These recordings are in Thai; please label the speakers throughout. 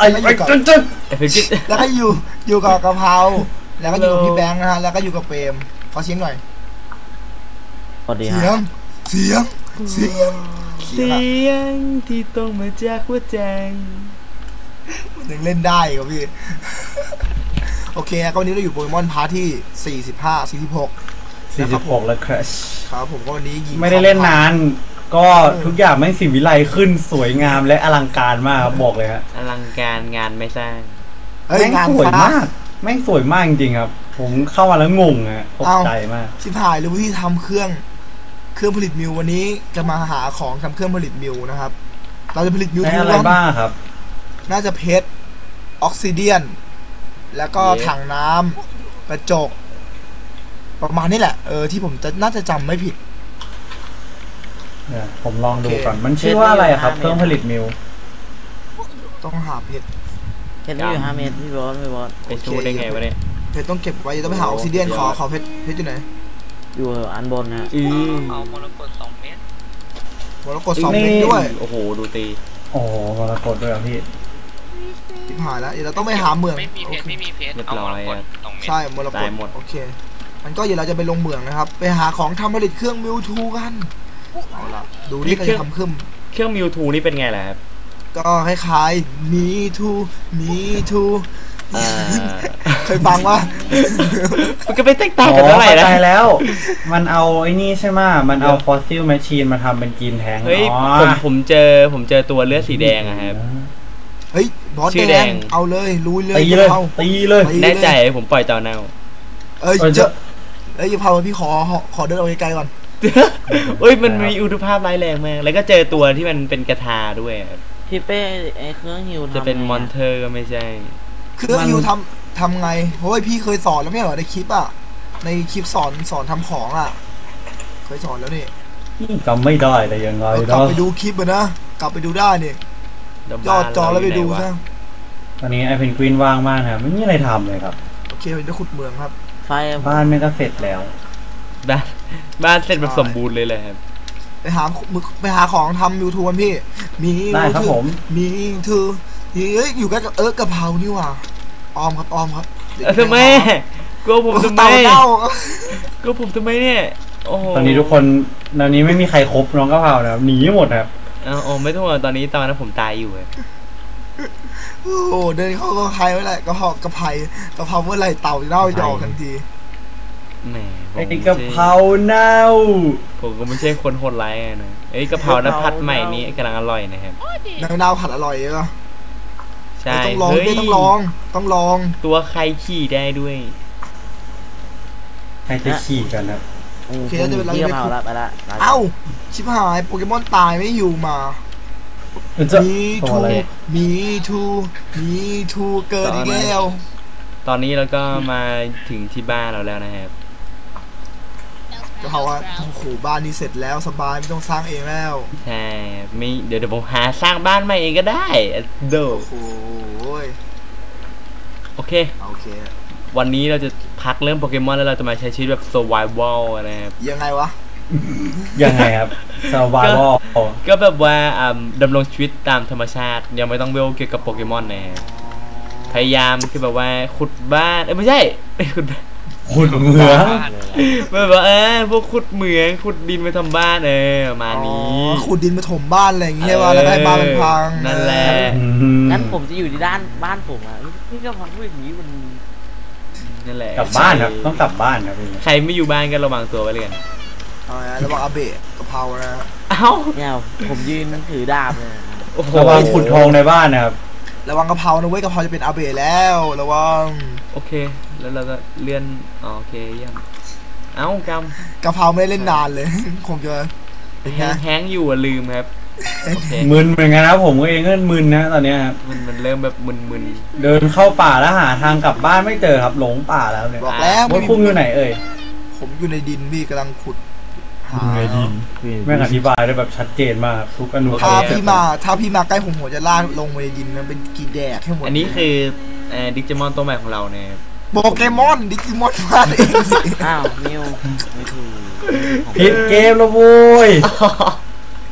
Speaker 1: แล้วก็อยู่กับกะเพราแล้วก็อยู่กับพี่แบงค์นะฮะแล้วก็อยู่กับเปรมขอเสียงหน่อยเสียงที่ต้องมาจากหัวใจมันยังเล่นได้ครับพี่โอเคก็วันนี้เราอยู่โปเกมอนพาร์ทที่46แล้วครับผมก็วันนี้
Speaker 2: ไม่ได้เล่นนานก็ทุกอย่างแม่งสิวิไลขึ้นสวยงามและอลังการมากบอกเลยฮะ
Speaker 3: อลังการงานไม่สร้าง
Speaker 2: แม่งสวยมากแม่งสวยมากจริงๆครับผมเข้ามาแล้วงงอะตกใจมาก
Speaker 1: ชิบหายรู้ที่ทำเครื่องผลิตมิววันนี้จะมาหาของทำเครื่องผลิตมิวนะครับเราจะผลิตมิว
Speaker 2: อะไรบ้างครับ
Speaker 1: น่าจะเพชรออกซิเดียนแล้วก็ถังน้ำกระจกประมาณนี้แหละที่ผมน่าจะจำไม่ผิด
Speaker 2: ผมลองดูก่อนมันชื่อว่าอะไรครับเครื่องผลิตมิว
Speaker 1: ต้องหาเพชร
Speaker 4: อยู่5 เมตรพี่บอส
Speaker 3: ไปชูได้ไงวะเนี่ย
Speaker 1: เพชรต้องเก็บไว้ต้องไปหาออกซิเดียนขอเพชรอยู่ไหน
Speaker 4: อยู่อันบนนะ
Speaker 5: เอามรกต2 เมตร
Speaker 1: ด้วย
Speaker 3: โอ้โหดูตี
Speaker 2: โอ้มรกตด้วยพี่
Speaker 1: ทิพหายแล้วเดี๋ยวเราต้องไปหาเมือง
Speaker 5: ไม่มีเพชรเอามรกต2 เมตร
Speaker 1: ใช่มรกตโอเคมันก็เดี๋ยวเราจะไปลงเมืองนะครับไปหาของทำผลิตเครื่องมิวทูกันเอาละดูนี่ก็จะทำเค
Speaker 3: รื่องมิวทูนี่เป็นไงล่ะครับ
Speaker 1: ก็คล้ายๆมีทูเคยฟังว่า
Speaker 3: มันก็ไม่แตกต่างกันเท่าไหร่นะ
Speaker 2: แล้วมันเอาไอ้นี่ใช่ไหมมันเอาฟอสซิลแมชชีนมาทำเป็นกินแทง
Speaker 3: เฮ้ยผมเจอตัวเลือดสีแดงอะครับ
Speaker 1: เฮ้ยบอสแดงเอาเลยลุยเลย
Speaker 2: ตีเลย
Speaker 3: แน่ใจผมปล่อยต่อแนว
Speaker 1: อย่าพาพี่ขอเดินเอาไกลๆก่อน
Speaker 3: เฮ้ยมันมีอุณหภาพร้ายแรงมากแล้วก็เจอตัวที่มันเป็นกระทาด้วย
Speaker 4: พี่เป้ไอเครื่องฮิว
Speaker 3: จะเป็นมอนเตอร์ก็ไม่ใช่
Speaker 1: เครื่องฮิวทำไงเพราะว่าพี่เคยสอนแล้วไม่เหรอในคลิปอ่ะในคลิปสอนทำของอ่ะเคยสอนแล้วนี่
Speaker 2: จำไม่ได้แต่ยังไง
Speaker 1: กลับไปดูคลิปนะกลับไปดูได้นี่ยอดจอแล้วไปดูซะ
Speaker 2: ตอนนี้ไอเพนกวินว่างมากครับไม่มีอะไรทำเลยครับ
Speaker 1: โอเคเราจะขุดเมืองครับ
Speaker 2: บ้านไม่ก็เสร็จแล้ว
Speaker 3: บ้านเสร็จแบบสมบูรณ์เลยเลยครับ
Speaker 1: ไปหาของทำยูทูบพี่
Speaker 2: ได้ครับผม
Speaker 1: มีทูอยู่ใกล้กับกะเพรานี่ว่ะออมครับ
Speaker 3: ทำไมก็ผมทำไมเนี่ย
Speaker 2: ตอนนี้ทุกคนตอนนี้ไม่มีใครครบน้องกะเพรานะหนีหมดครับ
Speaker 3: ไม่ต้องตอนนั้นผมตายอยู่
Speaker 1: โอ้เดินเข้าก็ใครไว้แหละกะเพราเมื่อไรเต่าเน่าจะออกทันที
Speaker 2: ไอ้กะเพราเน่า
Speaker 3: ผมก็ไม่ใช่คนโหดร้ายนะไอ้กะเพราน้ำผัดใหม่นี้กำลังอร่อยนะครับ
Speaker 1: น้ำผัดอร่อยเหรอ
Speaker 3: ใช่
Speaker 1: ต้องลอง
Speaker 3: ตัวใครขี่ได้ด้วย
Speaker 2: ใครจะขี่กันนะ
Speaker 1: โอเคจะเป็นอะไรไปเอ้าชิบหายโปเกมอนตายไม่อยู่มามีทูเกิดอีกแล้ว
Speaker 3: ตอนนี้เราก็มาถึงที่บ้านเราแล้วนะครับ
Speaker 1: ก็เพราะว่าโอ้โหบ้านนี้เสร็จแล้วสบายไม่ต้องสร้างเองแล้ว
Speaker 3: ใช่ไม่เดี๋ยวผมหาสร้างบ้านใหม่เองก็ได้เด้อโอเควันนี้เราจะพักเรื่องโปเกมอนแล้วเราจะมาใช้ชีวิตแบบ survival นะครับ
Speaker 1: ยังไงวะ
Speaker 2: ยังไงครับ survival
Speaker 3: ก็แบบว่าดำรงชีวิตตามธรรมชาติยังไม่ต้องเวลเกี่ยวกับโปเกมอนนะพยายามคือแบบว่าขุดบ้านไม่ใช่
Speaker 2: ขุดเหมือง
Speaker 3: แบบว่าพวกขุดเหมืองขุดดินมาทำบ้านมานี้
Speaker 1: ขุดดินมาถมบ้านอะไรอย่างเงี้ยว่าแล้วได้บ้านมันพัง
Speaker 3: นั่นแหละ
Speaker 4: งั้นผมจะอยู่ที่ด้านบ้านผมอ่ะพี่ก็พังพูดอย่างนี้มัน
Speaker 3: นั่นแหละ
Speaker 2: กลับบ้านครับต้องกลับบ้านครับ
Speaker 3: ใครไม่อยู่บ้านก็ระวังตัวไว้เลย
Speaker 1: ระวังอาเบะกะเพรานะ
Speaker 4: เนี่ยผมยืนถือดาบเลย
Speaker 2: ระวังขุดทองในบ้านนะครับ
Speaker 1: ระวังกะเพรานะเว้ยกะเพราจะเป็นอาเบะแล้วระวัง
Speaker 3: โอเคแล้วเราก็เลื่อนโอเคเยี่ยม
Speaker 1: กะเพราไม่ได้เล่นนานเลยคงจะ
Speaker 3: แห้งอยู่ลืมครับ
Speaker 2: มึนเหมือนกันนะผมเองก็มึนนะตอนนี้ครับ
Speaker 3: มันเริ่มแบบมึน
Speaker 2: เดินเข้าป่าแล้วหาทางกลับบ้านไม่เจอครับหลงป่าแล้วเนี่ย
Speaker 1: บอกแล้ว
Speaker 2: ว่าพุ่งอยู่ไหน
Speaker 1: ผมอยู่ในดินพี่กำลังขุด
Speaker 2: หาในดินแม่อธิบายได้แบบชัดเจนมากทุกอนุ
Speaker 1: ถ้าพี่มาใกล้ผมหัวจะลากลงในดินมันเป็นกีแดกให้หมด
Speaker 3: อันนี้คือดิจิมอนตัวใหม่ของเราเนี่ย
Speaker 1: โปเกมอนดิจิมอนมาเองสิ
Speaker 4: อ้าวนิวไม่ถูก
Speaker 2: ผิดเกมแล้วโว้ย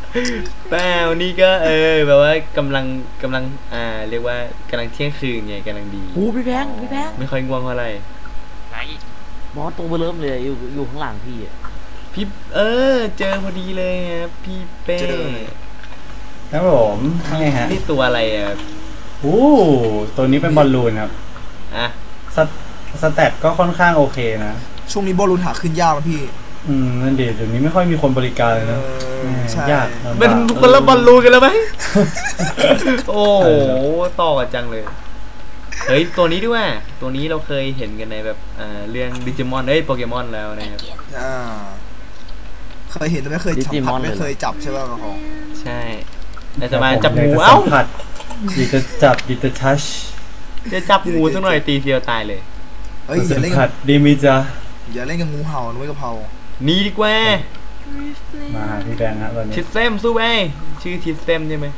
Speaker 3: เปล่านี่ก็แบบว่ากำลังเรียกว่ากำลังเที่ยงคืนไงกำลังดี
Speaker 4: โอ้พี่แพง
Speaker 3: ไม่ค่อยง่วงเท่าไหร่
Speaker 5: ไหน
Speaker 4: บอสตัวเบอร์เริ่มเลยอยู่ข้างหลังพี่อะ
Speaker 3: พี่เจอพอดีเลยครับพี่เป้
Speaker 2: ครับผมนี่ฮะ
Speaker 3: นี่ตัวอะไรอ่ะ
Speaker 2: ตัวนี้เป็นบอลลูนครับ
Speaker 3: อ่ะ
Speaker 2: สแตทก็ค่อนข้างโอเคนะ
Speaker 1: ช่วงนี้บอลลูนหาขึ้นยากนะพี่
Speaker 2: นั่นเดี๋ยวนี้ไม่ค่อยมีคนบริการเลยนะ
Speaker 1: ใช่
Speaker 2: ยากลำบาก
Speaker 3: เป็นคนละบอลลูนกันแล้วไหม โอ้โหต่อกันจังเลย เฮ้ยตัวนี้ด้วยตัวนี้เราเคยเห็นกันในแบบเรื่องดิจิมอนโปเกมอนแล้วนะครับ
Speaker 1: เคยเห็นแต่ไม่เคยจับผัดไม่เคยจับใช่ป่ะของ
Speaker 3: ใช่แต่จะมาจับงูเอ้า
Speaker 2: ผัดดีจะจับดีจะทัช
Speaker 3: จะจับงูสักหน่อยตีเดียวตายเลย
Speaker 1: เฮ้ยอย่าเล่น
Speaker 2: ผัดดีมิจ้า
Speaker 1: อย่าเล่นกับงูเห่านุ้ยกะเพรา
Speaker 3: นี่ดีกว่า
Speaker 2: มาหาพี่แบงค์ฮะตอนนี้
Speaker 3: ทิสเซมสู้ไปชื่อทิสเซมใช่ไหม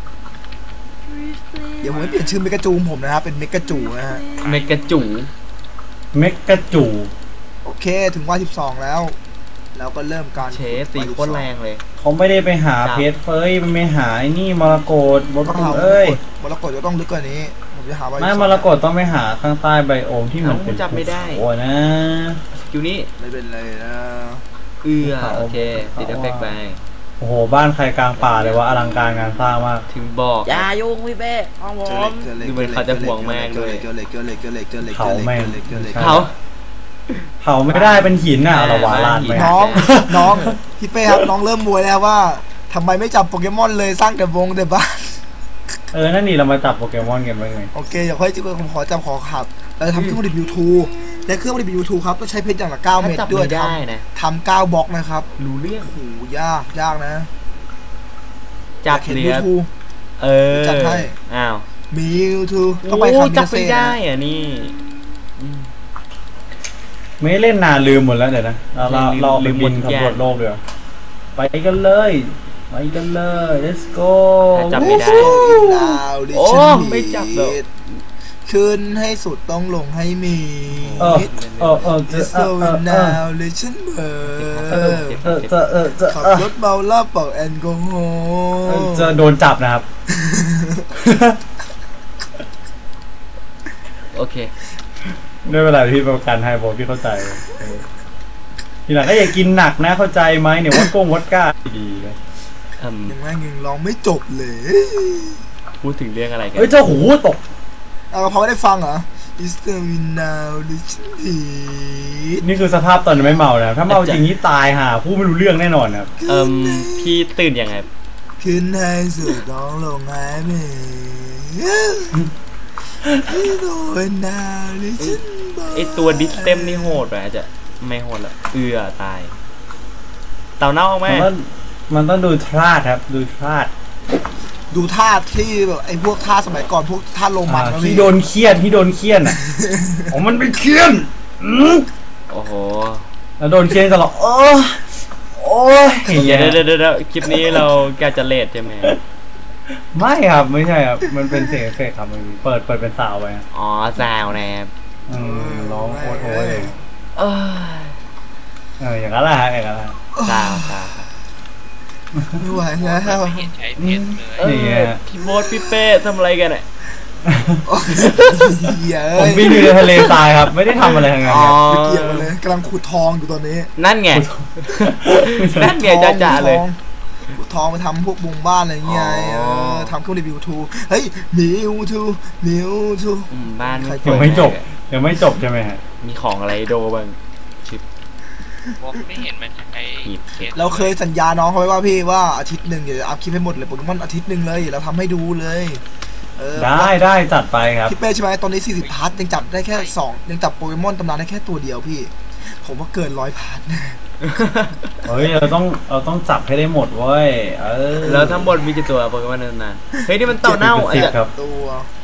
Speaker 1: เดี๋ยวผมไม่เปลี่ยนชื่อเมกาจูผมนะครับเป็นเมกาจูนะฮะ
Speaker 3: เมกาจู
Speaker 2: เมกะจู
Speaker 1: โอเคถึงว่า12แล้วแล้วก็เริ่มการ
Speaker 3: เชสตีโคตรแรงเลย
Speaker 2: เขาไม่ได้ไปหาเพชรเฟ้ยมันไปหาไอ้นี่มรกตบน
Speaker 1: ต้องหา
Speaker 2: เอ้ย
Speaker 1: มรกตจะต้องลึกกว่านี้ผมจะหาว่า
Speaker 2: ไม่มรกตต้องไปหาข้างใต้ไบโอมที่มันเป็น
Speaker 3: จับไม่ได้
Speaker 2: โอ้นะ
Speaker 3: สกิลนี้
Speaker 1: ไม่เป็นไรนะ
Speaker 3: โอเคติดเอฟเฟกต์ไป
Speaker 2: โอ้โหบ้านใครกลางป่าเลยว่าอลังการงานสร้างมาก
Speaker 3: ถึงบอก
Speaker 4: อย่ายุ่งพี่เป้ของผม
Speaker 3: ดูเหมือนเขาจะห่วงมากเลย
Speaker 1: เกลือเหล็ก
Speaker 2: เผาแม่ง
Speaker 3: เขา
Speaker 2: เผาไม่ได้เป็นหินน่ะเราหวานลานไป
Speaker 1: น้องพี่เป้ครับน้องเริ่มมวยแล้วว่าทำไมไม่จับโปเกมอนเลยสร้างแต่วงแต่บ้าน
Speaker 2: นั่นนี่เรามาจับโปเกมอนกันไปไง
Speaker 1: โอเคเดี๋ยวค่อยผมขอจำขอขับเราจะทำเครื่องผลิต YouTube และเครื่องผลิต YouTube ครับต้องใช้เพชรอย่างละ9
Speaker 3: ถ้า
Speaker 1: เม็ด
Speaker 3: จับ
Speaker 1: ด้วย
Speaker 3: ไม่ได้นะ
Speaker 1: ทำ9บล็อกนะครับ
Speaker 3: รู้เรื่อง
Speaker 1: โอ้โหยากนะ
Speaker 3: จับ
Speaker 1: เห็น
Speaker 3: เหลือ
Speaker 1: YouTube จัดให้
Speaker 3: อ้าว
Speaker 1: มี YouTube ต้องไปคามิ
Speaker 3: จับ
Speaker 1: นา
Speaker 3: ไม่
Speaker 1: เซ่
Speaker 3: ได้อ่ะนี่
Speaker 2: ไม่เล่นนานลืมหมดแล้วเดี๋ยวนะเราไปบินสำรวจโลกเดี๋ยวไปกันเลย let's go
Speaker 3: จับไม่ได้
Speaker 1: ดาวดิ
Speaker 3: โอ้
Speaker 1: ฉัน
Speaker 3: ไม่จับหรอก
Speaker 1: ขึ้นให้สุดต้องลงให้มี
Speaker 2: จะ
Speaker 1: โซนาวเลยฉันเบอ
Speaker 2: จะ
Speaker 1: ขับรถเมาเหล้าเป่าแอลกอฮอล์
Speaker 2: จะโดนจับนะครับ
Speaker 3: โอเค
Speaker 2: ด้วยเวลาที่ประกันให้บอกพี่เข้าใจทีหลังก็อย่ากินหนักนะเข้าใจไหมเนี่ยวัดก้าดีเลย
Speaker 1: ยังไงยังร้องไม่จบเลย
Speaker 3: พูดถึงเรื่องอะไรกัน
Speaker 2: เจ้าหูตก
Speaker 1: เอาพอไม่ได้ฟังเหรอ Is the wind now ดิฉันดี
Speaker 2: นี่คือสภาพตอนไม่เมานะถ้าเมาจริงนี่ตายห่าผู้ไม่รู้เรื่องแน่นอนครับ
Speaker 3: พี่ตื่นยังไง
Speaker 1: ขึ้นให้สุดต้องลงให้มีโดนดาวดิฉันเบอ
Speaker 3: ไอตัวดิสเต็มนี่โหดไปอาจจะไม่โหดละตายเต่าเน่าออกไหม
Speaker 2: มันต้องดูทาสครับดูทาส
Speaker 1: ดูท่าที่แบบไอ้พวกท่าสมัยก่อนพวกท่าโรมัน
Speaker 2: ที่โดนเคี่ยนอ่ะอ๋อมันไปเคี่ยน
Speaker 3: โอ้โห
Speaker 2: แล้วโดนเคี่ยนตลอดโอ้ย
Speaker 3: เดี๋ยวคลิปนี้เราแกจะเลทใช่ไหม
Speaker 2: ไม่ครับไม่ใช่ครับมันเป็นเสียงเอฟเฟกต์ครับมันเปิดเป็นซาวไป
Speaker 3: อ๋อซาวนะครับ
Speaker 2: ร้องโคตรโอ้ย
Speaker 3: เออ
Speaker 2: อย่างนั้นแหละฮะอย่างนั้นแหละ
Speaker 3: ซาว
Speaker 1: ไม่ไหวแล้ว
Speaker 5: ไม่เห็นใช้เพชรเลย
Speaker 2: นี่ไง
Speaker 3: พี่โบ๊ทพี่เป้ทำอะไรกันเนี่ย
Speaker 1: เหี้ย
Speaker 2: ผมบินอยู่ในทะเลทรายครับไม่ได้ทำอะไรทั้งนั้น
Speaker 3: อ๋อ
Speaker 2: ครับ
Speaker 1: ไม่เกี่ยวกันเลยกำลังขุดทองอยู่ตอนนี้
Speaker 3: นั่นไงนั่นไงจ่าเลย
Speaker 1: ขุดทองไปทำพวกบุงบ้านอะไรเงี้ย
Speaker 3: อ๋อ
Speaker 1: ทำเครื่องรีวิวทูเฮ้ยมิวทู
Speaker 3: บ้าน
Speaker 2: ยังไม่จบใช่ไหมฮะ
Speaker 3: มีของอะไรโดบ้างชิป
Speaker 5: ผมไม่เห็นมันใช้
Speaker 3: หีบเพชร
Speaker 1: เราเคยสัญญาน้องเขาไว้ว่าพี่ว่าอาทิตย์หนึ่งเดี๋ยวอัพคลิปให้หมดเลยโปเกมอนอาทิตย์หนึ่งเลยเราทำให้ดูเลย
Speaker 2: ได้จัดไปครับ
Speaker 1: พี่เป้ใช่ไหมตอนนี้40พาร์ทยังจับได้แค่2ยังจับโปเกมอนตำนานได้แค่ตัวเดียวพี่ผมว่าเกิน100พาร์ท
Speaker 2: เฮ้ยเราต้องจับให้ได้หมดเว้ย
Speaker 3: แล้วทั้งหมดมีกี่ตัวโปเกมอนนานๆเฮ้ยนี่มันเต่าเน่าอาจจะ
Speaker 2: ครับ
Speaker 1: ตัว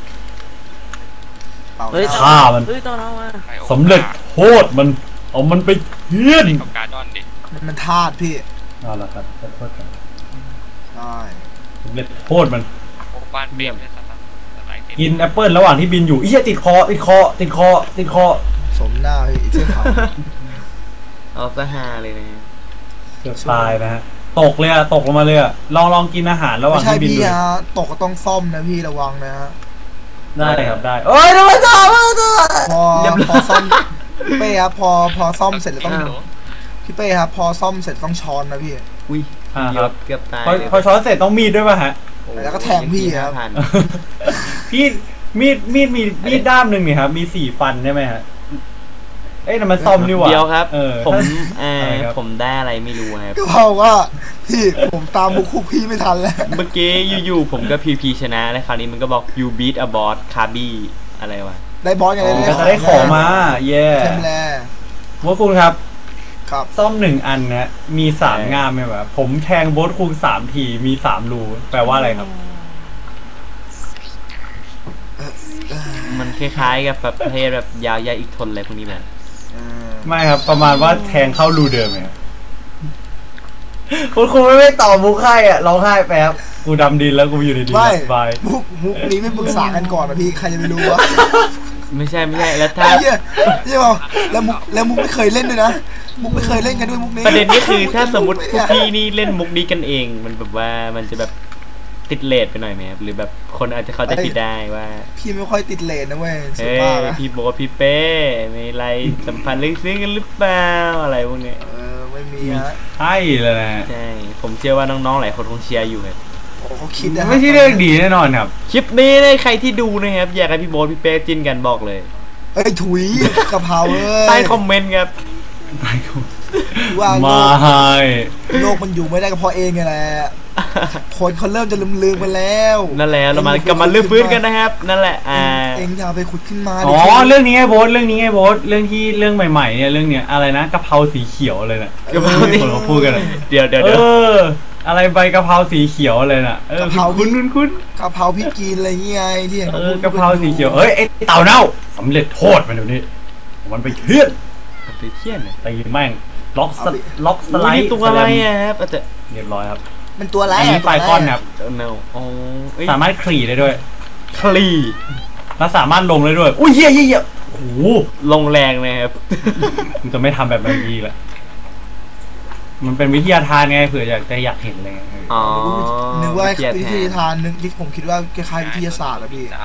Speaker 4: เฮ้ย
Speaker 2: ฆ่ามัน
Speaker 4: เฮ้ยเต่าเน่ามา
Speaker 2: สำเร็จโทษมันเอามันไปเฮี้ยน
Speaker 5: กับการดอนดิ
Speaker 1: มันธาตุพี่
Speaker 2: เอาละครับขอโทษครับ
Speaker 1: ใช่
Speaker 2: สำเร็จโทษมัน
Speaker 5: โอ้บ้านเปี่ยมเลยสไลด์
Speaker 2: กินแอปเปิลระหว่างที่บินอยู่ติดคอ
Speaker 1: สมหน้าพี่เชื่อเขา
Speaker 3: เอาซะฮาเลยนะ
Speaker 2: เกือบตายนะฮะตกเลยอะตกลงมาเลยอะลองกินอาหารระหว่า
Speaker 1: ไม่
Speaker 2: ง
Speaker 1: ใช่
Speaker 2: ที่บิน
Speaker 1: พี่
Speaker 2: ดู
Speaker 1: ฮะตกก็ต้องซ่อมนะพี่ระวังนะฮะ
Speaker 2: ได้ครับได้เอ้ยทำไมตก
Speaker 1: พอซ่อมพี่เป้ครับพอซ่อมเสร็จแล้วต้อง
Speaker 5: ฮัลโหล
Speaker 1: พี่เป้ครับพอซ่อมเสร็จต้องช้อนนะพี่
Speaker 3: อุ้ย
Speaker 2: ครับ
Speaker 3: เกือบตาย
Speaker 2: พอช้อนเสร็จต้องมีดด้วยป่ะฮะ
Speaker 3: โอ้
Speaker 1: แล้วก็แทงพี่ครับ
Speaker 3: 5,000
Speaker 2: พี่มีดด้ามหนึ่งนี่ครับมี4 ฟันใช่ไหมฮะเอ้ยแต่มันซ่อมนี่หว่า
Speaker 3: เดียวครับ
Speaker 2: เออ
Speaker 3: ผม
Speaker 2: อะไรครับ
Speaker 3: ผมได้อะไรไม่รู้ครับ
Speaker 1: ก็เพราะว่าพี่ผมตามมุกคุกพี่ไม่ทันแล้ว
Speaker 3: เมื่อกี้อยู่ๆผมก็พีชนะแล้วคราวนี้มันก็บอก you beat a boss คาบี้อะไรวะ
Speaker 1: ได้บอสไง
Speaker 2: ก็จะได้ของมาเย่
Speaker 1: เต็มแล้ว
Speaker 2: ว่าคุณครับ
Speaker 1: ครับ
Speaker 2: ซ่อม1 อันนะมี3 ง่ามไหมวะผมแทงโบสคุง3 ทีมี3 รูแปลว่าอะไรครับ
Speaker 3: มันคล้ายๆกับแบบประเภทแบบยาวยาอีกทนอะไรพวกนี้แบบ
Speaker 2: ไม่ครับประมาณว่าแทงเข้ารูเดิมไงคุณครูไม่ตอบมุกให้อ่ะร้องไห้แป๊บกูดำดินแล้วกูอยู่ดี
Speaker 1: ไม่
Speaker 2: ๆสบาย
Speaker 1: มุกนี้ไม่ปรึกษากันก่อนนะพี่ใครจะไปรู้วะ
Speaker 3: ไม่ใช่แล้วถ้า
Speaker 1: ไอ้เหี้ยบอกแล้วมุกไม่เคยเล่นด้วยนะมุกไม่เคยเล่นกันด้วยมุกนี้
Speaker 3: ประเด็นนี้คือถ้าสมมติพวกพี่นี่เล่นมุกนี้กันเอง มันแบบว่ามันจะแบบติดเลทไปหน่อยไหมครับหรือแบบคนอาจจะเขาจะคิดได้ว่า
Speaker 1: พี่ไม่ค่อยติดเลนนะเว้ยสุด
Speaker 3: เฮ้ย
Speaker 1: มากนะ
Speaker 3: พี่โบทพี่เป้มีอะไรสัมพันธ์ลึกซึ้งกันหรือเปล่าอะไรพวกเนี้ย
Speaker 1: ไม่มีฮะ
Speaker 2: ใช่เลยนะ
Speaker 3: ใช่ผมเชื่อว่าน้องๆหลายคนคงเชียร์อยู่ครับ
Speaker 1: โอ้เขาคิดนะ
Speaker 2: ไม่ใช่เรื่องดีแน่นอนครับ
Speaker 3: คลิปนี้เนี่ยใครที่ดูนะครับอยากให้พี่โบทพี่เป้จิ้นกันบอกเลย
Speaker 1: เอ้ยถุยกะเพราเอ้ย
Speaker 3: ใต้คอมเมนต์ครับ
Speaker 1: ว่า
Speaker 2: มาให้
Speaker 1: โลกมันอยู่ไม่ได้ก็เพราะเองไงแหละคนเขาเริ่มจะลืมๆไปแล้ว
Speaker 3: นั่นแหละเรามากลับมาลื้อฟื้นกันนะครับ นั่นแหละ
Speaker 1: เองอย่าไปขุดขึ้นมา
Speaker 2: อ๋อเรื่องนี้ไงโบสเรื่องนี้ไงโบสเรื่องที่เรื่องใหม่ๆเนี่ยเรื่องเนี้ยอะไรนะกะเพราสีเขียวเลยน่ะ
Speaker 3: กะเพรา
Speaker 2: คนเขาพูดกันอะ
Speaker 3: เดี๋ยว
Speaker 2: อะไรใบกะเพราสีเขียวเลยน่ะคุ้น
Speaker 1: กะเพราพี่กินอะไรเงี้ยที่เห็น
Speaker 2: กะเพราสีเขียวเอ้ยไอ้เต่าเน่าสำเร็จโทษมันเดี๋ยวนี้มันไปเทียน
Speaker 3: ไปเที่ยนเนี่ย
Speaker 2: ตีแม่งล็อกสไล
Speaker 3: นี่
Speaker 2: ด์
Speaker 3: ตัวอะไรอะครับอาจจะ
Speaker 2: เรียบร้อยครับ
Speaker 1: มันตัวอะไร
Speaker 2: อันนี้ไฟก้อนครับ
Speaker 3: เนาอ๋อ
Speaker 2: สามารถคลี่ได้ด้วย
Speaker 3: คลี
Speaker 2: แล้วสามารถลงได้ด้วยอุ้ยเหี้ยโอ้โห
Speaker 3: ลงแรงนะครับ
Speaker 2: มันจะไม่ทำแบบเมื่อกี้แหละมันเป็นวิทยาทานไงเผื่ออยากเห็นอะไรเงี้ย
Speaker 3: อ๋อ
Speaker 1: นึกว่าวิทยาทานนึกที่ผมคิดว่าคล้ายๆวิทยาศาสตร์อะพี่
Speaker 5: ได้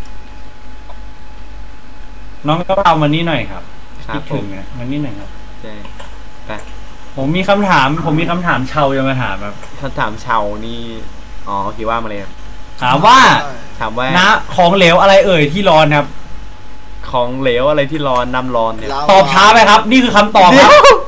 Speaker 2: น้องก็เอามานี่หน่อยครับ
Speaker 3: ครั
Speaker 2: คิ
Speaker 3: บ
Speaker 2: ด
Speaker 3: ผ
Speaker 2: ถึ
Speaker 3: ม
Speaker 2: งนะมันนี่หน่อยครับ
Speaker 3: ใช่ไป
Speaker 2: ผมมีคำถามเชาจะมาถามครับ
Speaker 3: คำถามชาวนี่อ๋อโอเคว่ามาเลยครับ
Speaker 2: ถามว่า
Speaker 3: ถามว่า
Speaker 2: นะของเหลวอะไรเอ่ยที่ร้อนครับ
Speaker 3: ของเหลวอะไรที่ร้อนน้ำร้อนเนี่ย
Speaker 2: ตอบช้าไปครับ นี่คือคำตอบครับ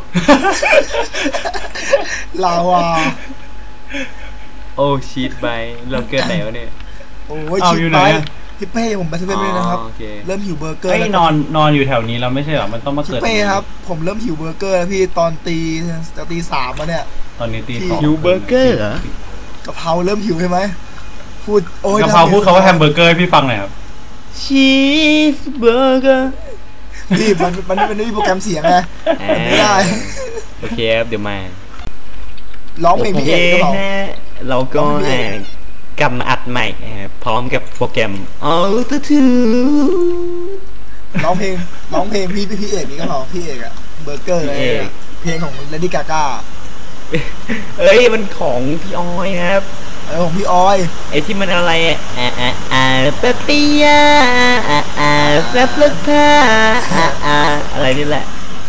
Speaker 1: ลาวา
Speaker 3: โอ้ชีตไปเราเกินไหนวะเนี่ย
Speaker 1: โอ้ย
Speaker 2: เอา
Speaker 1: ชิ
Speaker 2: อยู่
Speaker 1: บ
Speaker 2: ไหน
Speaker 1: ไป
Speaker 2: อะ
Speaker 1: พี่เป้ผมไปเซเว่นเลยนะครับ
Speaker 3: โอเค
Speaker 1: เริ่มหิวเบอร์เกอร์
Speaker 2: ไอ้ย
Speaker 1: แล้ว
Speaker 2: นอนอยู่แถวนี้เราไม่ใช่เหรอมันต้องมา
Speaker 1: พี่
Speaker 2: เกิด
Speaker 1: เป้ครับ ผมเริ่มหิวเบอร์เกอร์แล้วพี่ตอนจะตี 3แล้วเนี่ย
Speaker 2: ตอนนี้ตี 2
Speaker 3: หิวเบอร์เกอร์เหรอ
Speaker 1: กะเพราเริ่มหิวใช่ไหมพูดโอ้ย
Speaker 2: กะเพราพูดเขาว่าแฮมเบอร์เกอร์ให้พี่ฟังหน่อยครับ
Speaker 3: ชีสเบอร์เกอร์
Speaker 1: พี่มันไม่มีโปรแกรมเสียงไงมันไม่ได้
Speaker 3: โอเคครับเดี๋ยวมา
Speaker 1: ร้องเพลงพี่เอกก็เปล่า
Speaker 3: เราก็กลับมาอัดใหม่พร้อมกับโปรแกรม Auto Tune
Speaker 1: ร้องเพลงพี่เอกนี่ก็เปล่าพี่เอกอะเบอร์เกอร์อะไรอะเพลงของเลดี้กาก้า
Speaker 3: เอ้ยมันของพี่ออยครับ
Speaker 1: ของพี่ออย
Speaker 3: ไอ้ที่มันอะไรเปปปี้ยาแฟบลึกผ้าอะไรนี่แหละ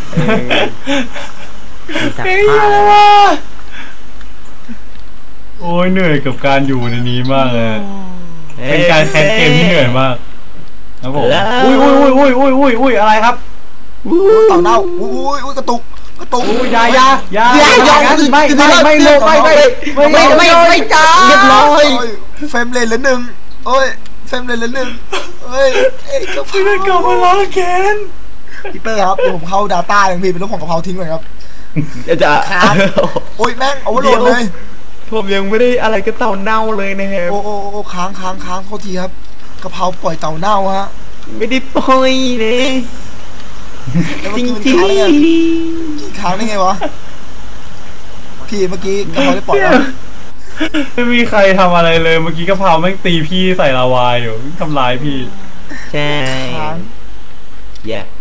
Speaker 4: มีสัก
Speaker 2: เฮ้ย
Speaker 4: ผ้า
Speaker 2: อะไรวะโอ้ยเหนื่อยกับการอยู่ในนี้มากเลยเป็นการแคสเกมที่เหนื่อยมากครับผมอุ้ยอะไรครับ
Speaker 1: เต่าเน่าอุ้ยกระตุก
Speaker 2: อุ้ยอยาไม่ลงไม่จ้า
Speaker 3: เรียบร้อย
Speaker 1: เฟรมเลนละหนึ่งโอ้ยเฟรมเลนละหนึ่งเฮ้ยกะเพ
Speaker 2: พี่ได้กลับมาล้อแกน
Speaker 1: พี่เป้ครับเดี๋ยวผมเข้า Data อย่างพี่เป็นเรื่องของกะเพราทิ้งก่อนครับ
Speaker 3: จะ
Speaker 1: โอ้ยแม่งเอาไว้โหลดเลย
Speaker 3: ผมยังไม่ได้อะไรก็เต่าเน่าเลยนะครับ
Speaker 1: โอ้ค้างโทษทีครับกะเพราปล่อยเต่าเน่าฮะ
Speaker 3: ไม่ได้ปล่อยเลย
Speaker 1: แล้ว
Speaker 3: จ
Speaker 1: เมื่อ
Speaker 3: ริง
Speaker 1: กี้มัน
Speaker 3: จริง
Speaker 1: ค้างได้ไงวะพี่เมื่อกี้กะเพราได้ปล่อยแล้ว
Speaker 2: ไม่มีใครทำอะไรเลยเมื่อกี้กะเพราแม่งตีพี่ใส่ลาวาอยู่ทำร้ายพี่
Speaker 3: ใช่
Speaker 1: ค้าง
Speaker 3: อย่า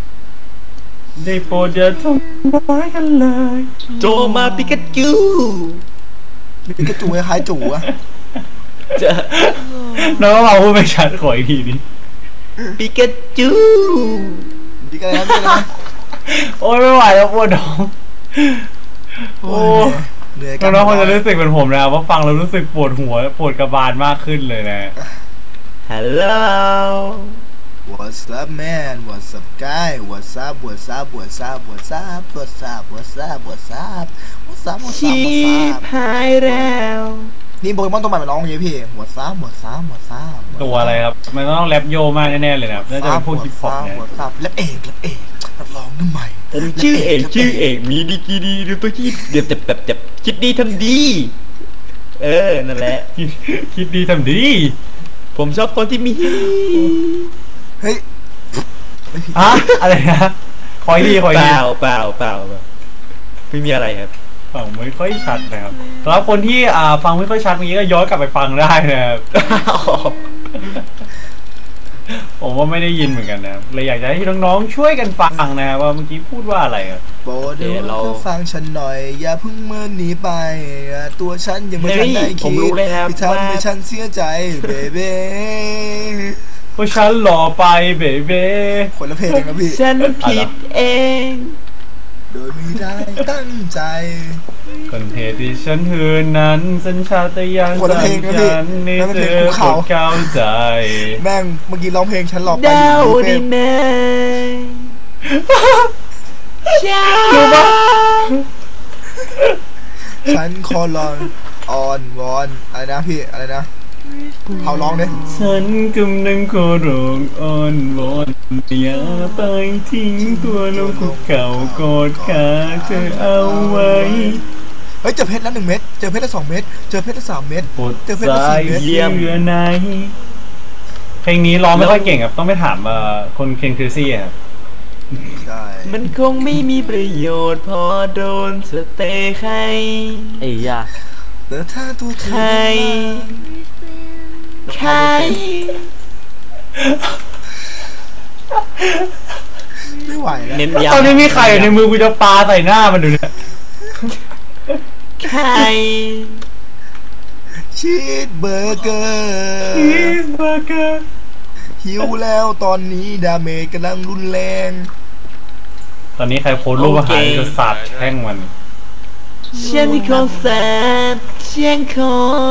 Speaker 2: ได้โปรดอย่าทำร้ายกันเลย
Speaker 3: โจมาปิกาจู
Speaker 1: มีกระจูคล้ายๆจูอะ
Speaker 3: จะ
Speaker 2: น้องเราพูดไม่ชัดขออีกทีนี้
Speaker 3: ปิกาจู
Speaker 1: ดีกันแล้วนะ
Speaker 2: โอ้ยไม่ไหวแล้วปวดท้อง
Speaker 1: โอ้เหนื่อยกั
Speaker 2: น้องๆคงจะรู้สึกเหมือนผมนะว่าฟังแล้วรู้สึกปวดหัวปวดกระบาลมากขึ้นเลยนะ
Speaker 3: ฮัลโหล
Speaker 1: What's up man What's up guy What's up What's up What's up What's up What's up What's up What's up What's up What's
Speaker 3: ชี
Speaker 1: up What's
Speaker 3: พ
Speaker 1: up
Speaker 3: หายแล้ว
Speaker 1: นี่โปเกมอนตัวใหม่มาร้องอย่างนี้พี่ What's up What's up What's up
Speaker 2: ตัวอะไรครับ มันต้องแรปโยมากแน่ๆเลยนะครับน่าจะเป็นพวกฮิปฮอปเนี่ย
Speaker 1: What's up แล้วเอกนักร้องน้ำใหม่
Speaker 3: ผมชื่อเอกมีดีกรีดีดูตัวคิดเดี๋ยวแบบคิดดีทำดี นั่นแหละ
Speaker 2: คิดดีทำดี
Speaker 3: ผมชอบคนที่มี
Speaker 1: เฮ้ยไม่ผิด
Speaker 2: ฮะอะไรนะคอยดี
Speaker 3: เปล่าไม่มีอะไรครับ
Speaker 2: ฟังไม่ค่อยชัดนะครับสำหรับคนที่ฟังไม่ค่อยชัดเมื่อกี้ก็ย้อนกลับไปฟังได้นะครับ ผมว่าไม่ได้ยินเหมือนกันนะครับเลยอยากจะให้น้องๆช่วยกันฟังนะครับว่าเมื่อกี้พูดว่าอะไรครับ
Speaker 1: โปรดเราฟังฉันหน่อยอย่าเพิ่งเมินหนีไปตัวฉันยังไม่ทันได้คิดที่ทำให้ฉันเสียใจเบเบ้
Speaker 2: เพราะฉันหล่อไปเบเบ้
Speaker 1: คนละเพลงนะพี่
Speaker 3: ฉันผิดเอง
Speaker 1: โดยไม่ได้ตั้งใจ
Speaker 2: คนเหตุที่ฉันหืนนั้นสัญชาตญาณ
Speaker 1: คนละเพลงนะพี่
Speaker 2: ฉันนี่
Speaker 1: นั่นมัน
Speaker 2: เธ
Speaker 1: เพลง
Speaker 2: อ
Speaker 1: ภูเขา
Speaker 2: กดเข้าใจ
Speaker 1: แม่งเมื่อกี้ร้องเพลงฉันหลอกไป
Speaker 3: ดาว
Speaker 1: อยู่
Speaker 3: ดี
Speaker 1: ใน
Speaker 3: ไหม
Speaker 1: ฉันขอร้องอ่อนวอนอะไรนะพี่อะไรนะเขาร้องเนี่ย
Speaker 2: ฉันกำลังขอร้องอ้อนวอนอย่าไปทิ้งตัวลงคุกเข่ากอดขาเธอเอาไว้
Speaker 1: เฮ้ยเจอเพชรแล้ว1 เม็ดเจอเพชรแล้ว2 เม็ดเจอเพชรแล้ว3 เม็ด
Speaker 2: ปวด
Speaker 1: เจอเพชรแล้ว
Speaker 2: สาย
Speaker 1: 4 เม็ด
Speaker 2: เยื่อในเพลงนี้ร้องไม่ค่อยเก่งครับต้องไปถามคนเคนคริซี่ครับ
Speaker 1: ใช่
Speaker 3: มันคงไม่มีประโยชน์พอโดนสเตย์ใคร
Speaker 4: ไอ้ยา
Speaker 1: แต่ถ้าตัวเธ
Speaker 3: ใค
Speaker 1: อ
Speaker 3: รใคร
Speaker 1: ไม่ไหวแล้ว
Speaker 3: เน้นย้ำ
Speaker 2: ตอนนี้มีไข่อยู่ในมือกูจะปาใส่หน้ามันดูเนี่ย
Speaker 3: ใคร
Speaker 1: ชีสเบอร์เกอร์
Speaker 2: ชีสเบอร์เกอร์
Speaker 1: หิวแล้วตอนนี้ดาเมจกำลังรุนแรง
Speaker 2: ตอนนี้ใครโพสต์รูปอาหารจะสาดแช่งมัน
Speaker 3: เช่นที่คนแสบเชียงคน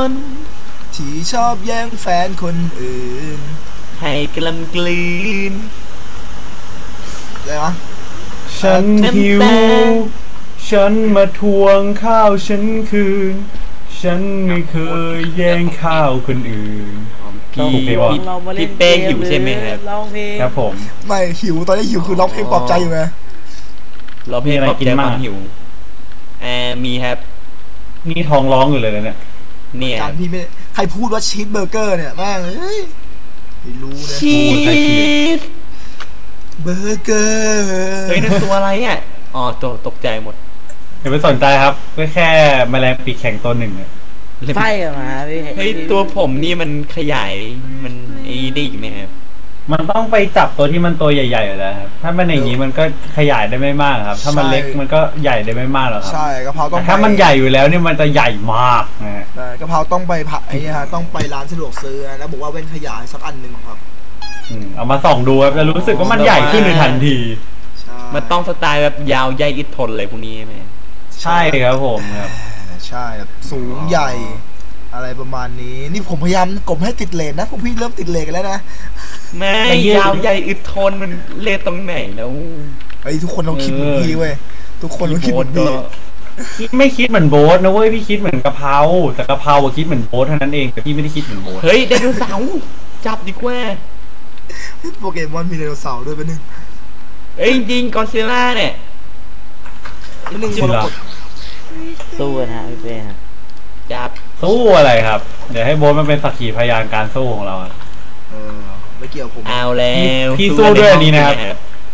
Speaker 1: ที่ชอบแย่งแฟนคนอื่น
Speaker 3: ให้กลำกลืน
Speaker 1: อะไรวะ
Speaker 2: ฉันหิว ฉันมาทวงข้าวฉันคืน ฉันไม่เคยแย่งข้าวคนอื่น
Speaker 3: พี่
Speaker 2: ถูกไหมวะ
Speaker 4: เรามาเล่
Speaker 3: พี่
Speaker 4: น
Speaker 3: เป้หิวใช่ไหมครับ
Speaker 4: ร้องเพลง
Speaker 2: ครับผม
Speaker 1: ไม่หิวตอนนี้หิวคือร้องเพลงปลอบใจอยู่ไง
Speaker 3: เราเพลงปลอบใจความหิวมีครับ
Speaker 2: นี่ท้องร้องอยู่เลยนะเนี่ย
Speaker 3: เนี่ย
Speaker 1: การพี่ไม่ใครพูดว่าชีสเบอร์เกอร์เนี่ยแม่งเอ้ยไม่รู้นะ
Speaker 3: ชีส
Speaker 1: เบอร์เกอร์
Speaker 3: เฮ้ยนั่นตัวอะไรอ่ะอ๋อตัวตกใจหมด
Speaker 2: อย่าไปสนใจครับก็แค่แมลงปีกแข็งตัวหนึ่งเนี่ย
Speaker 4: ไฟกันมาพี่
Speaker 3: เฮ้ยตัวผมนี่มันขยายมันไอ้ได้อีกไหมครับ
Speaker 2: มันต้องไปจับตัวที่มันตัวใหญ่ๆอยู่แล้วครับถ้ามันอย่างนี้มันก็ขยายได้ไม่มากครับ ถ้ามันเล็กมันก็ใหญ่ได้ไม่มากหรอกครับ
Speaker 1: ใช่กะเพราต้อง
Speaker 2: แต่
Speaker 1: ไป
Speaker 2: ถ้ามันใหญ่อยู่แล้วเนี่ยมันจะใหญ่มากนะฮะ
Speaker 1: กะเพราต้องไปผักไอ้เนี่ยฮะต้องไปร้านสะดวกซื้อนะแล้วบอกว่าเว้นขยายสักอันหนึ่งครับ
Speaker 2: เอามาส่องดูครับจะรู้สึกว่ามันใหญ่ขึ้นในทันที
Speaker 1: ใช่
Speaker 3: มันต้องสไตล์แบบยาวใหญ่อิดทนเลยพวกนี้ไหม
Speaker 2: ใช่ครับผมครับ
Speaker 1: ใช่แบบสูงใหญ่ อะไรประมาณนี้นี่ผมพยายามกลมให้ติดเลนนะพวกพี่เริ่มติดเลนกันแล้วนะ
Speaker 3: แม่
Speaker 2: แต่ยืด
Speaker 3: ยาวใหญ่อึดทนมันเล่ตรงไหนแล้ว
Speaker 1: ไอ้ยทุกคนต้องคิดเหมือนพี่เว้ยทุกคนต้องคิดเหมือนพี่
Speaker 2: ไม่คิดเหมือนโบ๊ทนะเว้ยพี่คิดเหมือนกะเพราแต่กะเพราอะคิดเหมือนโบ๊ทเท่านั้นเองแต่พี่ไม่ได้คิดเหมือนโบ๊ท
Speaker 3: เฮ้ยไดโนเสาร์จับดีกว่า
Speaker 1: โปเกมอนมีไดโนเสาร์ด้วยเป็นหนึ่ง
Speaker 3: เอ้ยจริงกอนซิลล่าเนี่ย
Speaker 1: เป็นหนึ่ง
Speaker 2: จริ
Speaker 1: ม
Speaker 2: ง
Speaker 1: ร
Speaker 2: เหรอก
Speaker 1: ต
Speaker 4: สู้กันฮะพี่เป้ฮะ
Speaker 3: จับ
Speaker 2: สู้อะไรครับ เดี๋ยวให้โบ๊ทมันเป็นสักขีพยานการสู้ของเราอะ
Speaker 1: ไม่เกี่ยวผม
Speaker 3: เอาแล้ว
Speaker 2: พี่สู้ด้วยอันนี้นะครับ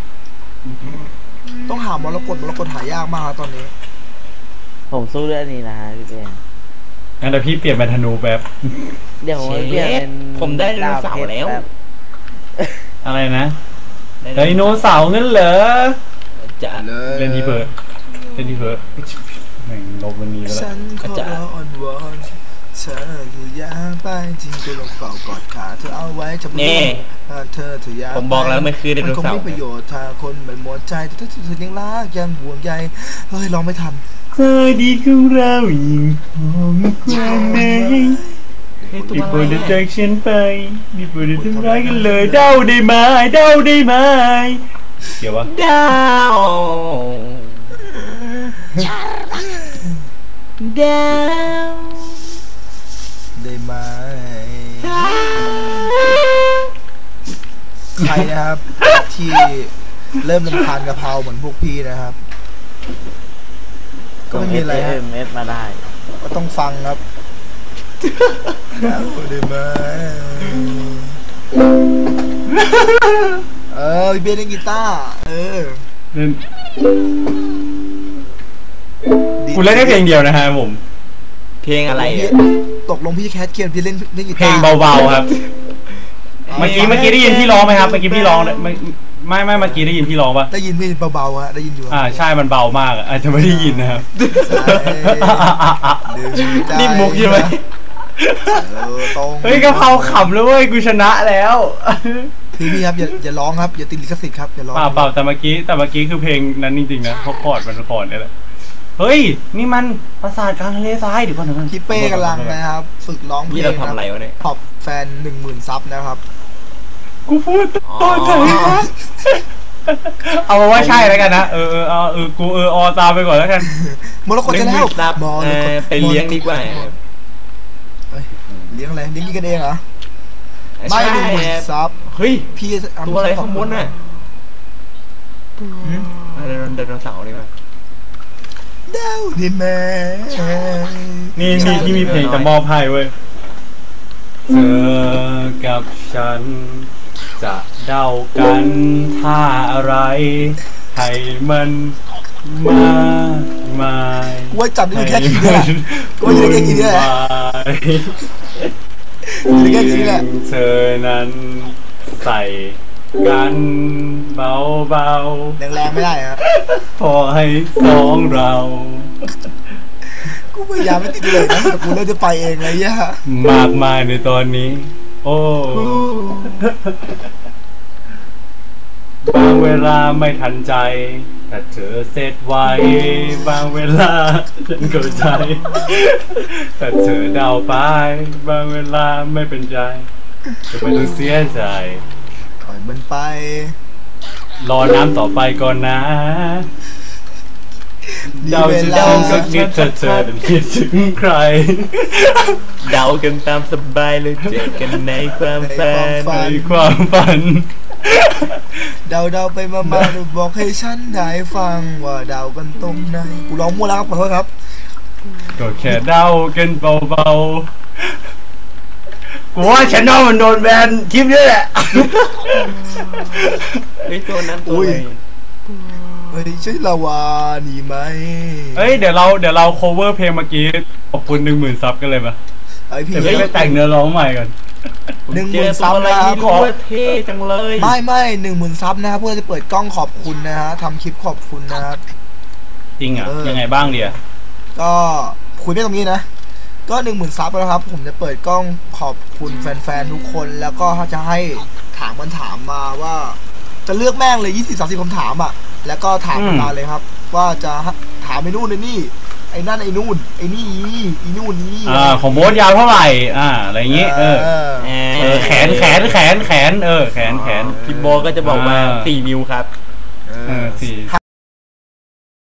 Speaker 1: ต้องหามรกตหายากมากครับตอนนี้
Speaker 4: ผมสู้เรื่องนี้นะฮะพี่เป้
Speaker 2: งั้นเดี๋ยวพี่เปลี่ยนเป็นธนูแป๊บ
Speaker 4: เดี๋ยวผมเปลี่ยนเป็น
Speaker 3: ผมได้ไดโนเสาร์แล้ว
Speaker 2: อะไรนะไดโนเสาร์งั้นเหรอ
Speaker 3: จะ
Speaker 1: เลย
Speaker 2: เล่นที่เพิร์ดเล่นที่เพิร์ดแม่งลบวันนี้แล้ว
Speaker 1: ฉันขอร้องอ่อนวอนเธอคืออยากไปจริงก็ลงเป่ากอดขาเธอเอาไว้จับมือเธออยาก
Speaker 3: ผมบอกแล้วมันคือไดโน
Speaker 1: คง
Speaker 3: เสา
Speaker 1: ไม่
Speaker 3: ร์
Speaker 1: ประโยชน์ถ้าคนไม่หมดใจแต่ถ้าเธอยังรักยังห่วงใยเฮ้ยร้องไม่ทัน
Speaker 2: เธอดีของเรายิ่งหอมกว่าไหน
Speaker 3: เฮ้ยตัว
Speaker 2: ที่
Speaker 3: อะ
Speaker 2: โป
Speaker 3: ไร
Speaker 2: รด
Speaker 3: เนี่ย
Speaker 2: จากฉันไปที่โปรดทำร้ายกันเลยเดาได้ไหมเดาได้ไหมเกี่ยววะ
Speaker 3: ดาวดาว
Speaker 1: ได้ไหมใครนะครับ ที่เริ่มรำคาญกะเพราเหมือนพวกพี่นะครับ ก็ไม่มีอะไรฮะ
Speaker 4: เอสมาได้
Speaker 1: ก็ต้องฟังครับได้ไหมพี่เบสเล่นกีตาร์
Speaker 2: เล่น
Speaker 1: ดี
Speaker 2: กูเล่นได้เพลงเดียวนะฮะผม
Speaker 3: เพลงอะไร
Speaker 1: พี่
Speaker 3: อะ
Speaker 1: ตกลงพี่แคทเกียนพี่เล่นกี
Speaker 2: เพล
Speaker 1: ตางร์
Speaker 2: เบาๆครับ เมื่อกี้ได้ยินพี่ร้องไหมครับเมื่อกี้พี่ร้องไม่เมื่อกี้ได้ยินพี่ร้องปะ
Speaker 1: ได้ยินพี่เบาๆฮะได้ยินอยู่
Speaker 2: ใช่มันเบามากอาจจะไม่ได้ยินนะครับ
Speaker 3: นี่มุกใช่ไหม
Speaker 1: ตรง
Speaker 2: เฮ้ยกะเพราขำแล้วเว้ยกูชนะแล้ว
Speaker 1: พี่ครับอย่าร้องครับอย่าติดลิขสิทธิ์ครับอย่าร้อง
Speaker 2: เปล่าแต่เมื่อกี้คือเพลงนั้นจริงๆนะเพราะคอร์ดมันคอร์ดนี่แหละเฮ้ยนี่มันปราสาทกลางทะเลทรายเดี๋ยวก่อน
Speaker 1: พี่เป้กำลังนะครับฝึกร้องเพล
Speaker 3: นี่
Speaker 1: ง
Speaker 3: เราทำอะไรวะเนี่ย
Speaker 1: ขอบแฟน 10,000 ซับนะครับ
Speaker 2: กูพูดตอนไหนวะเอามาว่าใช่แล้วกันนะกูอตามไปก่อนแล้วกัน
Speaker 1: มรกตจะแล้ว
Speaker 3: รับ
Speaker 1: มรกต
Speaker 3: ไปเลี้ยงดีกว่า
Speaker 1: เอ้ยเลี้ยงอะไรเลี้ยงกินกันเองเหรอไม่
Speaker 3: ใช่
Speaker 1: 10,000 ซับ
Speaker 3: เฮ้ย
Speaker 1: พี่
Speaker 3: ตัวอะไรข้างบนน่ะไดโนเสาร์ดีกว่า
Speaker 1: ดาวดิแม่
Speaker 2: นี่ที่มีเพลงจะมอบให้เว้ยเธอกับฉันจะเดากันท่าอะไรให้มันมามาย
Speaker 1: กูว่าจำได้อยู่แค่ทีเดียวแหละกูว่าอยู่ได้แค่ทีเดียวแหละอยู่ได้แค่ทีเดียวแหละ
Speaker 2: เธอนั้นใส่กันเบา
Speaker 1: แรงๆไม่ได้ฮะ
Speaker 2: ๆพอให้สองเรา
Speaker 1: กูพยายามไม่ติดเลยนะแต่กูเริ่มจะไปเองเลยย่าม
Speaker 2: ากมายในตอนนี้ โอ้บางเวลาไม่ทันใจแต่เธอเสร็จไวบางเวลาฉันเข้าใจแต่เธอเดาไปบางเวลาไม่เป็นใจจะไม่ต้องเสียใจ
Speaker 1: ปล่อยมันไป
Speaker 2: รอน้ำต่อไปก่อนนะเดาจะถึงสักนิดเธอนั้นคิดถึงใคร
Speaker 3: เดากันตามสบายเลยเจอกันในความฝัน
Speaker 2: ในความฝัน
Speaker 1: เดาไปมาบอกให้ฉันได้ฟังว่าเดากันตรงไหนกูร้องมั่วแล้วครับขอโทษครับ
Speaker 2: ก็แค่เดากันเบาๆกูว่าฉันมันโดนแบนคลิปนี้แหละ
Speaker 3: เฮ้ยตัวนั้นตัวอะไร
Speaker 1: เฮ้ยใช่ลาวานี่ไหม
Speaker 2: เฮ้ยเดี๋ยวเรา cover เพลงเมื่อกี้ขอบคุณ 10,000 ซับกันเลยปะ
Speaker 1: ไอพี่
Speaker 2: เดี๋ยวไปแต่งเนื้อร้องใหม่กัน
Speaker 1: 10,000 ซับ
Speaker 3: อะไร
Speaker 1: นะครับ
Speaker 3: นี่ด้วยเท่จังเลย
Speaker 1: ไม่10,000 ซับนะครับเพื่อจะเปิดกล้องขอบคุณนะฮะทำคลิปขอบคุณนะครับ
Speaker 2: จริงอ่ะยังไงบ้างเดีย
Speaker 1: ก็คุยไม่ตรงนี้นะ ก็ 10,000 ซับแล้วครับผมจะเปิดกล้องขอบคุณแฟนๆทุกคนแล้วก็จะให้ถามมาว่า จะเลือกแม่งเลย20-30 คำถามอ่ะแล้วก็ถามมาเลยครับ ว่าจะถามไอ้นู่นไอ้นี่ไอ้นั่นไอ้นู่นไอ้นี่อีนู่นนี่
Speaker 2: ของโบ๊ทยาวเท่าไหร่อะไรอย่างงี้แขนแขน
Speaker 3: พี่โบก็จะบอกมา4 นิ้วครับ
Speaker 2: 4